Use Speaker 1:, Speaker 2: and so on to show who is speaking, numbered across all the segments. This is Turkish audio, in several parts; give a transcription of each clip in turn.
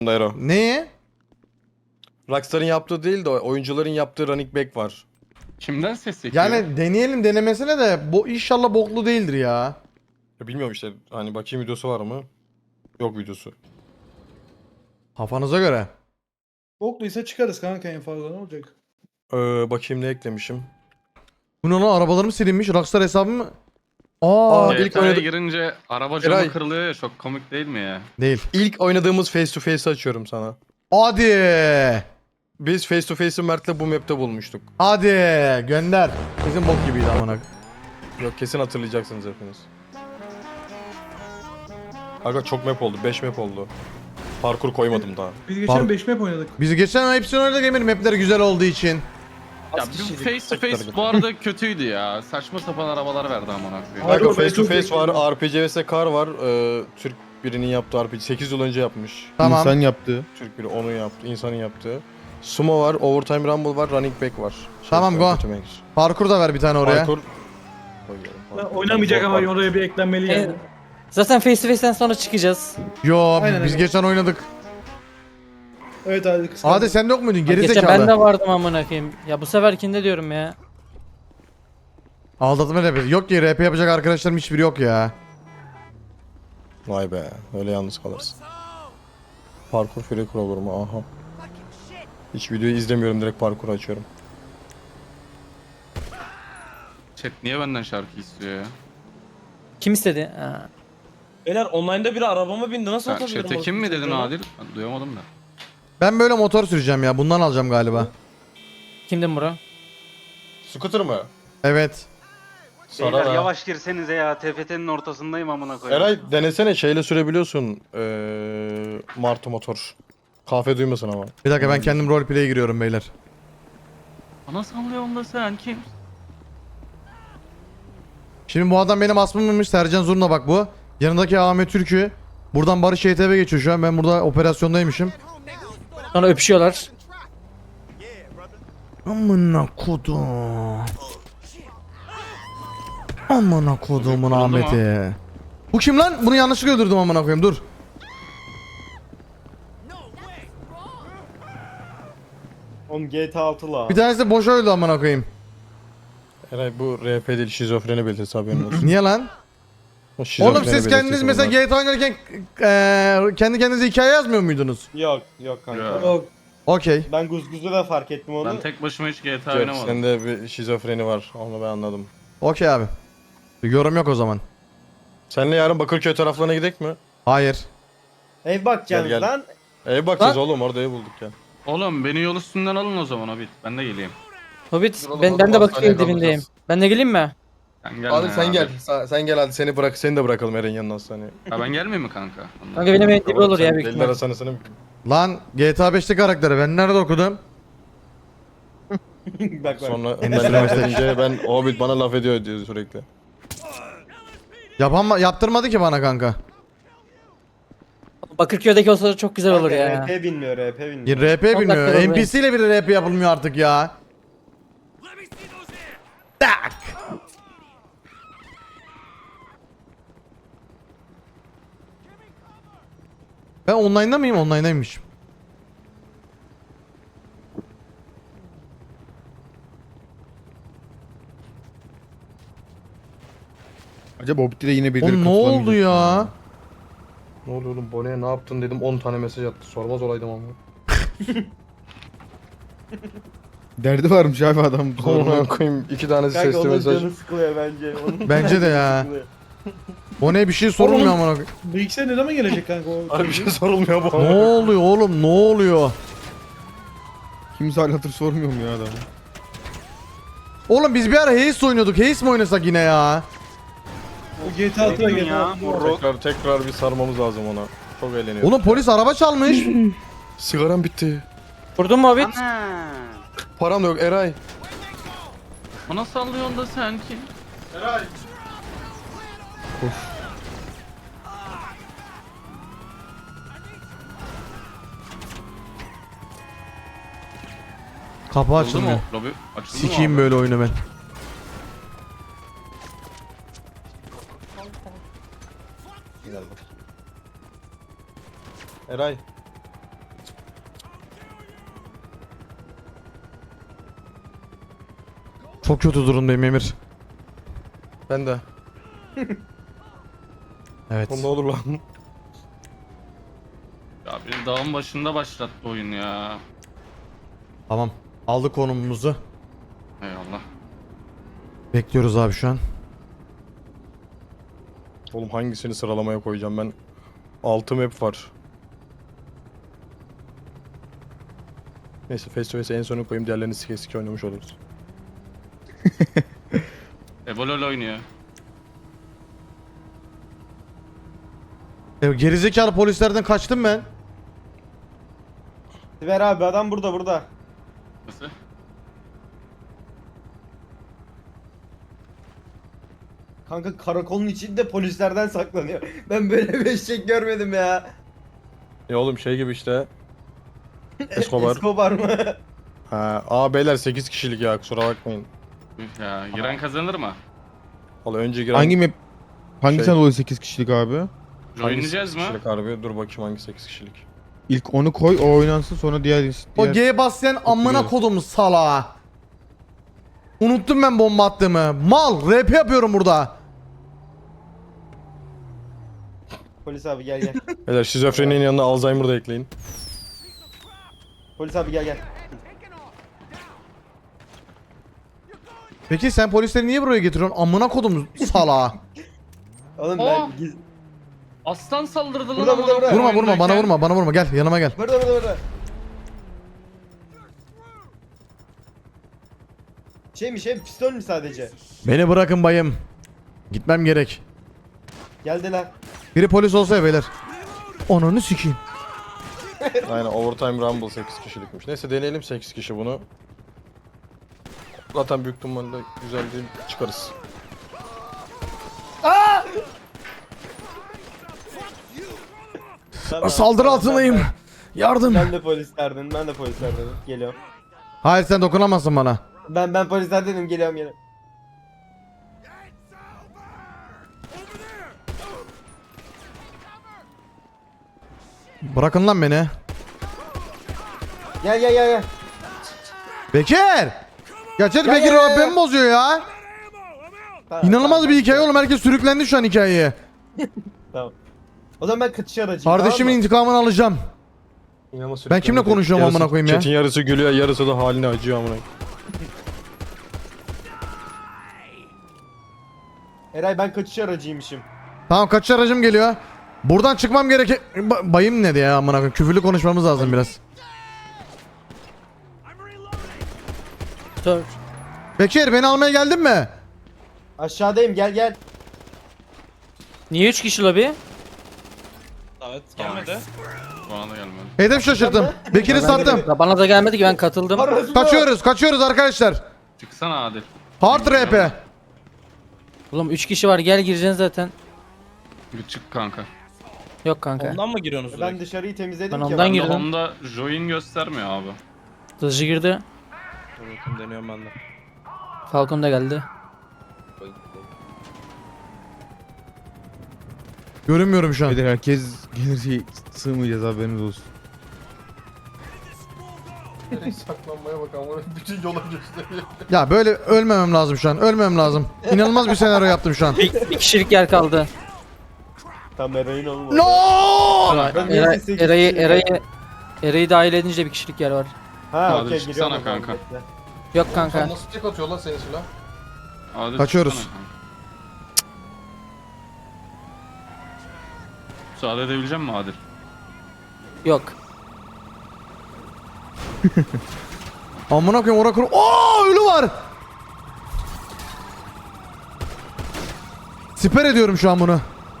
Speaker 1: Dairo.
Speaker 2: Neye?
Speaker 1: Rockstar'ın yaptığı değil de oyuncuların yaptığı running back var.
Speaker 3: Kimden ses çekiyor?
Speaker 2: Yani deneyelim denemesine de bu inşallah boklu değildir ya.
Speaker 1: Ya bilmiyorum işte hani bakayım videosu var mı? Yok videosu.
Speaker 2: Kafanıza göre.
Speaker 4: Bokluysa çıkarız kanka en fazla ne olacak?
Speaker 1: Bakayım ne eklemişim.
Speaker 2: Bu ne lan, arabalarım silinmiş. Rockstar hesabı mı? Aa,
Speaker 1: ilk
Speaker 3: GTA'ya
Speaker 1: oynadı-
Speaker 3: girince araba camı
Speaker 1: Eray.
Speaker 3: kırılıyor ya, çok komik değil mi ya?
Speaker 2: değil.
Speaker 1: İlk oynadığımız face to face'i açıyorum sana.
Speaker 2: Hadi.
Speaker 1: Biz face to face'i Mert'le bu map'te bulmuştuk.
Speaker 2: Hadi gönder. Bizim bok gibiydi amına.
Speaker 1: Yok kesin hatırlayacaksınız hepiniz. Aga çok map oldu. 5 map oldu. Parkur koymadım daha.
Speaker 4: Biz geçen
Speaker 2: Par-
Speaker 4: 5 map oynadık.
Speaker 2: Biz geçen hepsini oynadık Emir, mapler güzel olduğu için.
Speaker 3: Ya bu face to face bu arada kötüydü ya. Saçma sapan arabalar verdi amına koyayım.
Speaker 4: Hayır,
Speaker 1: Aga
Speaker 4: o ben
Speaker 1: face to
Speaker 4: çok
Speaker 1: face
Speaker 4: bekliyorum.
Speaker 1: var. RPG vs Car var. Türk birinin yaptığı RPG. 8 yıl önce yapmış.
Speaker 2: Tamam.
Speaker 5: İnsan yaptı.
Speaker 1: Türk biri onu yaptı. İnsanın yaptığı. Sumo var. Overtime Rumble var. Running back var.
Speaker 2: Tamam, go.
Speaker 1: Ultimate.
Speaker 2: Parkur da ver bir tane oraya.
Speaker 1: Parkur.
Speaker 4: Oynamayacak ama oraya bir eklenmeli yani.
Speaker 6: Zaten face to face'ten sonra çıkacağız.
Speaker 2: Yo,
Speaker 4: Aynen
Speaker 2: biz
Speaker 4: öyle.
Speaker 2: geçen oynadık.
Speaker 4: Evet hadi kısa.
Speaker 2: Hadi sen de yok muydun? Geri
Speaker 6: Geçen
Speaker 2: zekalı.
Speaker 6: ben de vardım amına koyayım. Ya bu seferkinde diyorum ya.
Speaker 2: Aldatma RP. Yok ki RP yapacak arkadaşlarım hiçbiri yok ya.
Speaker 1: Vay be. Öyle yalnız kalırsın. Parkur free crawler mı? Aha. Hiç videoyu izlemiyorum. Direkt parkuru açıyorum.
Speaker 3: Chat niye benden şarkı istiyor ya?
Speaker 6: Kim istedi? Ha.
Speaker 7: Beyler online'da biri arabama bindi nasıl
Speaker 3: Sen
Speaker 7: atabilirim?
Speaker 3: chat'e kim mi
Speaker 7: orası
Speaker 3: dedin
Speaker 7: çocuğuna?
Speaker 3: Adil? Ben duyamadım da.
Speaker 2: Ben böyle motor süreceğim ya. Bundan alacağım galiba.
Speaker 6: Kimdin bro?
Speaker 1: Scooter mı?
Speaker 2: Evet.
Speaker 1: Sana
Speaker 8: Beyler
Speaker 1: da.
Speaker 8: yavaş girsenize ya. TFT'nin ortasındayım amına koyayım.
Speaker 1: Eray denesene şeyle sürebiliyorsun. Martı motor. Kahve duymasın ama.
Speaker 2: Bir dakika, ben kendim roleplay'e giriyorum beyler.
Speaker 3: Ana sallıyorsun da sen kim?
Speaker 2: Şimdi bu adam benim asmımmış. Sercan Zurna bak bu. Yanındaki Ahmet Türkü. Buradan Barış YTV geçiyor şu an. Ben burada operasyondaymışım.
Speaker 6: Sonra öpüşüyorlar.
Speaker 2: Amına kodum. Amına kodumun
Speaker 3: Oldu mu?
Speaker 2: Ahmet'i. Bu kim lan? Bunu yanlışlıkla öldürdüm amına koyayım. Dur.
Speaker 7: Oğlum GTA 6 la.
Speaker 2: Bir tanesi de boşa öldü amına koyayım.
Speaker 1: Eray bu RP değil şizofreni belirtisi haberin olsun.
Speaker 2: Niye lan?
Speaker 1: O şizofreni
Speaker 2: Oğlum siz kendiniz
Speaker 1: belirtisi
Speaker 2: mesela
Speaker 1: bunlar.
Speaker 2: GTA oynarken kendi kendinize hikaye yazmıyor muydunuz?
Speaker 7: Yok kanka.
Speaker 3: Ya.
Speaker 4: Yok.
Speaker 2: Okey.
Speaker 7: Ben Guzguz'da da fark ettim onu.
Speaker 3: Ben tek başıma hiç GTA
Speaker 1: Yok,
Speaker 3: oynamadım.
Speaker 1: sende bir şizofreni var. Onu ben anladım.
Speaker 2: Okey abi. Bir yorum yok o zaman.
Speaker 1: Seninle yarın Bakırköy taraflarına gidek mi?
Speaker 2: Hayır.
Speaker 7: Ev bakacaksınız
Speaker 1: Gel, gel.
Speaker 7: lan.
Speaker 1: Ev bakacağız oğlum orada ev bulduk ya.
Speaker 3: Oğlum beni yol üstünden alın o zaman Hobbit. Ben de geleyim.
Speaker 6: Hobbit
Speaker 1: Dur oğlum,
Speaker 6: ben de
Speaker 1: hastaneye
Speaker 6: bakıyorum dibindeyim.
Speaker 1: kalacağız.
Speaker 6: Ben de geleyim mi?
Speaker 3: Sen gelme
Speaker 1: Hadi sen
Speaker 3: ya,
Speaker 1: gel.
Speaker 3: Adil.
Speaker 1: Sen gel hadi seni de bırakalım Eren yanına hastaneye.
Speaker 3: Ha ben gelmeyeyim mi kanka?
Speaker 6: Kanka benim evim dibi olur ya büyük
Speaker 1: Deliler
Speaker 6: ihtimal.
Speaker 1: hastanesine
Speaker 2: Lan GTA 5'te karakteri ben nerede okudum?
Speaker 7: Bak.
Speaker 1: sonra
Speaker 2: Endüstri
Speaker 1: ben laf
Speaker 2: meslek.
Speaker 1: edince ben Hobbit bana laf ediyor diyor sürekli.
Speaker 2: Yaptırmadı ki bana kanka.
Speaker 6: Bakırköy'deki olsa da çok güzel olur
Speaker 7: Kanka,
Speaker 6: ya.
Speaker 7: RP bilmiyor, RP bilmiyor.
Speaker 2: RP
Speaker 6: dakika
Speaker 2: bilmiyor.
Speaker 6: var
Speaker 2: NPC ile bile RP yapılmıyor artık ya. Tak. Ben online'da mıyım? Online'daymışım.
Speaker 5: Acaba Hobbit'te de yine birileri
Speaker 2: Oğlum ne oldu
Speaker 5: katılamayacak
Speaker 2: ya?
Speaker 1: Ne oluyor oğlum Bone'ye ne yaptın dedim 10 tane mesaj attı. Sormaz olaydım ama.
Speaker 5: Derdi varmış abi adam.
Speaker 1: Ona koyayım 2 tanesi
Speaker 7: Kanka
Speaker 1: sesli
Speaker 7: onun
Speaker 1: mesaj.
Speaker 7: canı sıkılıyor bence. Onun
Speaker 2: Bence de ya.
Speaker 7: sıkılıyor.
Speaker 2: O ne, bir şey sorulmuyor
Speaker 4: Oğlum.
Speaker 2: amına koyayım.
Speaker 4: Bilgisayar ne zaman gelecek kanka o?
Speaker 1: Abi bir şey sorulmuyor bu.
Speaker 2: Ne oluyor oğlum? Ne oluyor?
Speaker 5: Kimse hal hatır sormuyor mu ya adam?
Speaker 2: Oğlum biz bir ara Haze oynuyorduk. Haze mi oynasak yine ya?
Speaker 4: O GTA 6'ya
Speaker 8: Ya,
Speaker 4: gel.
Speaker 1: Tekrar bir sarmamız lazım ona. Çok eğleniyor.
Speaker 2: Oğlum polis araba çalmış.
Speaker 1: Sigaram bitti.
Speaker 6: Vurdun mu Hobbit?
Speaker 8: Ana.
Speaker 1: Param da yok Eray.
Speaker 3: Bana sallıyorsun da sen kim?
Speaker 2: Kapı
Speaker 3: Açıldı
Speaker 2: açılmıyor.
Speaker 3: mı? Lobi açıldı mı
Speaker 2: Sikeyim
Speaker 3: abi?
Speaker 2: böyle oyunu ben.
Speaker 1: Eray.
Speaker 2: Çok kötü durumdayım Emir.
Speaker 1: Ben de.
Speaker 2: Evet.
Speaker 1: Oğlum ne olur lan.
Speaker 3: Ya beni dağın başında başlattı oyun ya.
Speaker 2: Tamam. Aldık konumumuzu.
Speaker 3: Eyvallah.
Speaker 2: Bekliyoruz abi şu an.
Speaker 1: Oğlum hangisini sıralamaya koyacağım ben? 6 map var. Neyse face to face'e en sona koyayım, diğerlerini sike sike oynamış oluruz.
Speaker 3: Ebolol oynuyor.
Speaker 2: Gerizekalı polislerden kaçtım ben.
Speaker 7: Ver abi adam burada.
Speaker 3: Nasıl?
Speaker 7: Kanka karakolun içinde polislerden saklanıyor. Ben böyle bir eşek görmedim ya.
Speaker 1: Ya oğlum şey gibi işte. Escobar.
Speaker 7: Escobar mı?
Speaker 1: Ha, beyler 8 kişilik ya, kusura bakmayın.
Speaker 3: Üf ya. Giren kazanır mı?
Speaker 1: Valla önce giren...
Speaker 5: Hangi map? Hangisinden
Speaker 1: Şey-
Speaker 5: dolayı 8 kişilik abi?
Speaker 1: hangisi
Speaker 3: Oynayacağız
Speaker 1: 8
Speaker 3: mı?
Speaker 1: kişilik harbi? Dur bakayım hangi 8 kişilik.
Speaker 5: İlk onu koy, o oynansın, sonra diğer...
Speaker 2: O G'ye basayan amına
Speaker 5: Oturuyoruz.
Speaker 2: kodum salağa. Unuttum ben bomba attığımı. Mal rap yapıyorum burada.
Speaker 7: Polis abi gel.
Speaker 1: Beyler şizofreninin yanına Alzheimer da ekleyin.
Speaker 7: Polis abi gel.
Speaker 2: Peki sen polisleri niye buraya getiriyorsun? Amına kodum salağa.
Speaker 7: Oğlum
Speaker 3: Oh.
Speaker 7: ben
Speaker 3: Aslan saldırdı lan
Speaker 7: Burada,
Speaker 3: amına
Speaker 7: burada.
Speaker 3: koyayım
Speaker 2: Vurma bana
Speaker 3: oyundayken.
Speaker 2: bana vurma gel yanıma gel.
Speaker 7: Burada. Şey pistol mü sadece?
Speaker 2: Beni bırakın bayım. Gitmem gerek.
Speaker 7: Geldiler.
Speaker 2: Biri polis olsa ya beyler. Ananı sikeyim.
Speaker 1: Aynen, Overtime Rumble 8 kişilikmiş. Neyse deneyelim 8 kişi bunu. Zaten büyük ihtimalle güzel değil, çıkarız.
Speaker 7: Tamam,
Speaker 2: Saldırı
Speaker 7: tamam,
Speaker 2: altındayım.
Speaker 7: tamam.
Speaker 2: Yardım.
Speaker 7: Ben de polislerden. Geliyorum.
Speaker 2: Hayır sen dokunamazsın bana.
Speaker 7: Ben polislerdenim. Geliyorum.
Speaker 2: Bırakın lan beni.
Speaker 7: Gel.
Speaker 2: Bekir. Gerçekten
Speaker 7: Gel,
Speaker 2: Bekir
Speaker 7: gel, gel.
Speaker 2: beni bozuyor ya.
Speaker 7: Tamam,
Speaker 2: İnanılmaz
Speaker 7: tamam,
Speaker 2: bir hikaye oğlum. Herkes sürüklendi şu an hikayeye.
Speaker 7: Tamam. O zaman ben kaçış aracıyım.
Speaker 2: Kardeşimin
Speaker 7: tamam mı?
Speaker 2: intikamını alacağım.
Speaker 1: İnanılmaz
Speaker 2: Ben kimle konuşuyorum
Speaker 1: Yarısı-
Speaker 2: amına koyayım ya?
Speaker 1: Chat'in yarısı gülüyor, yarısı da haline acıyor amına.
Speaker 7: Eray ben kaçış aracıymışım.
Speaker 2: Tamam kaçış aracım geliyor. Buradan çıkmam gerek. Bayım ne diye ya amına koyayım. Küfürlü konuşmamız lazım biraz.
Speaker 6: Dur.
Speaker 2: Bekir beni almaya geldin mi?
Speaker 7: Aşağıdayım gel.
Speaker 6: Niye 3 kişi lobi?
Speaker 3: Gelmedi. Bana da gelmedi.
Speaker 2: Hedef şaşırttım. Bekir'i sattım.
Speaker 6: Bana da gelmedi ki ben katıldım.
Speaker 2: Kaçıyoruz arkadaşlar.
Speaker 3: Çıksana Adil.
Speaker 2: Hard RP.
Speaker 6: Oğlum 3 kişi var gel gireceksin zaten.
Speaker 3: Bir çık kanka.
Speaker 6: Yok kanka.
Speaker 9: Ondan mı giriyorsunuz
Speaker 7: Ben
Speaker 9: direkt?
Speaker 7: dışarıyı temizledim
Speaker 6: Ben
Speaker 7: ki.
Speaker 6: ondan
Speaker 3: Ben de
Speaker 6: girdim.
Speaker 3: Honda join göstermiyor abi.
Speaker 6: Hızlı girdi.
Speaker 9: Dur bakayım deniyorum ben de.
Speaker 6: Falcon da geldi.
Speaker 2: Görünmüyorum şu an.
Speaker 5: Beyler herkes gelirse sığmayacağız, haberiniz olsun.
Speaker 1: Saklanmaya bak amına, bütün yola gösteriyor.
Speaker 2: Ya böyle ölmemem lazım şu an. Ölmemem lazım. İnanılmaz bir senaryo yaptım şu an.
Speaker 6: Bir kişilik yer kaldı.
Speaker 7: Tam Eray'ın olmadı.
Speaker 2: No!
Speaker 7: Ben niye
Speaker 6: Eray-
Speaker 7: 8
Speaker 6: Eray'ı
Speaker 7: kişiyim?
Speaker 6: Eray'ı Eray'ı dahil edince bir kişilik yer var.
Speaker 7: Ha
Speaker 3: Hadi
Speaker 7: okey
Speaker 3: çıksana
Speaker 7: giriyorum. o zaman,
Speaker 3: kanka.
Speaker 7: bekle.
Speaker 6: Yok kanka.
Speaker 1: Nasıl tek atıyor lan senin silah?
Speaker 3: Adil
Speaker 2: Kaçıyoruz.
Speaker 3: çıksana kanka. Müsaade edebilecek misin Adil?
Speaker 6: Yok.
Speaker 2: Amına koyayım ora kur. Oo ölü var. Siper ediyorum şu an bunu.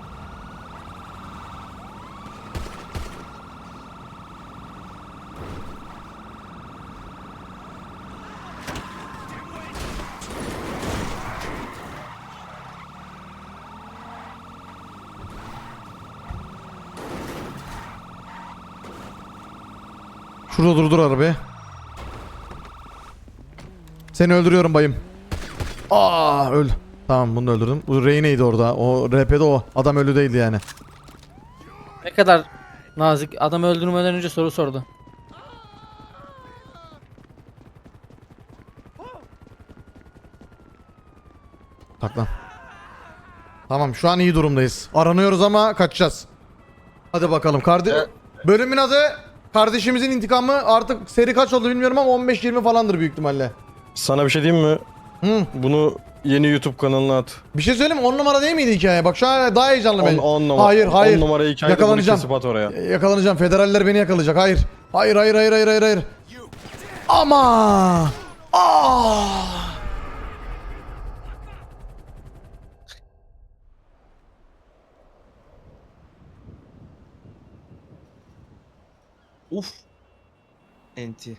Speaker 2: Şurada durdur arabayı. Seni öldürüyorum bayım. Aa öl. Tamam bunu da öldürdüm. Bu Reyne'ydi orada. O RP'de o. Adam ölü değildi yani.
Speaker 6: Ne kadar nazik. Adamı öldürmeden önce soru sordu.
Speaker 2: Saklan. Tamam şu an iyi durumdayız. Aranıyoruz ama kaçacağız. Hadi bakalım. Bölümün adı kardeşimizin intikamı. Artık seri kaç oldu bilmiyorum ama 15-20 falandır büyük ihtimalle.
Speaker 1: Sana bir şey diyeyim mi?
Speaker 2: Hı.
Speaker 1: Bunu yeni YouTube kanalına at.
Speaker 2: Bir şey söyleyeyim mi? 10 numara değil miydi hikaye? Bak şu an daha heyecanlı ben.
Speaker 1: 10 numara.
Speaker 2: Hayır hayır.
Speaker 1: 10 numara hikayede bunu
Speaker 2: Yakalanacağım.
Speaker 1: kesip at oraya.
Speaker 2: Yakalanacağım. Federaller beni yakalayacak. Hayır. Hayır hayır hayır hayır hayır hayır. Ama. Aa!
Speaker 9: Uf. Enti.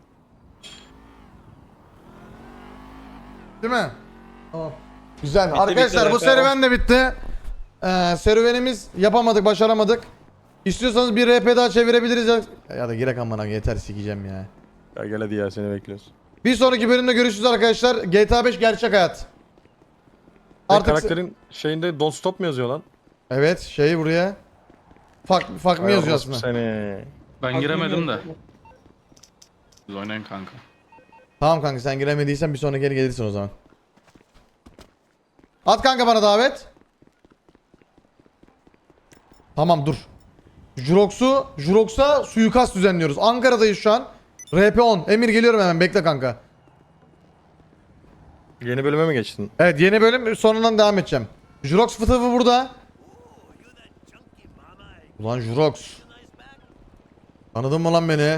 Speaker 2: Değil mi? Tamam. Güzel.
Speaker 9: Bitti,
Speaker 2: Arkadaşlar
Speaker 9: bitti,
Speaker 2: bu serüven de bitti. Serüvenimiz yapamadık, başaramadık. İstiyorsanız bir RP daha çevirebiliriz ya da girek amına yeter sikeceğim ya.
Speaker 1: Ya gel hadi ya seni bekliyoruz.
Speaker 2: Bir sonraki bölümde görüşürüz arkadaşlar. GTA 5 gerçek hayat.
Speaker 1: Artık
Speaker 2: Artık
Speaker 1: karakterin şeyinde don't stop mu yazıyor lan?
Speaker 2: evet şeyi buraya. Fuck mı yazıyor aslında?
Speaker 1: Seni.
Speaker 3: Ben giremedim de. Siz oynayın kanka.
Speaker 2: Tamam kanka sen giremediysen bir sonraki yere gelirsin o zaman. At kanka bana davet. Tamam dur. Jurox'a suikast düzenliyoruz. Ankara'dayız şu an. RP10. Emir geliyorum hemen bekle kanka.
Speaker 1: Yeni bölüme mi geçtin?
Speaker 2: Evet yeni bölüm sonundan devam edeceğim. Jurox fıtığı burada. Ulan Jurox. Tanıdın mı lan beni?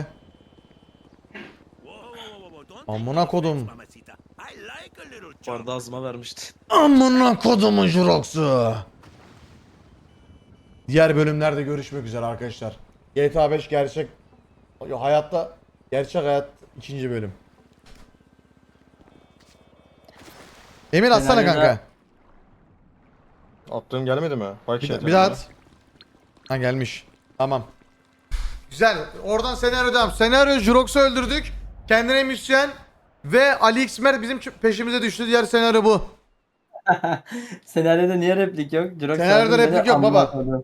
Speaker 2: Amına kodum.
Speaker 9: Bu arada ağzıma vermişti.
Speaker 2: Amına kodumun Jurox'u. Diğer bölümlerde görüşmek üzere arkadaşlar. GTA 5 gerçek hayatta gerçek hayat 2. bölüm. Emir atsana kanka.
Speaker 1: Attığım gelmedi mi? Bak şey
Speaker 2: Bir daha at. Ha gelmiş. Tamam. Güzel. Oradan senaryo devam. Senaryo Jurox'u öldürdük. Kendine müzisyen ve Ali Xmer bizim peşimize düştü. Diğer senaryo bu.
Speaker 10: Senaryoda niye replik yok? Jirox
Speaker 2: Senaryoda
Speaker 10: abi beni
Speaker 2: replik yok baba.
Speaker 10: amına koydu.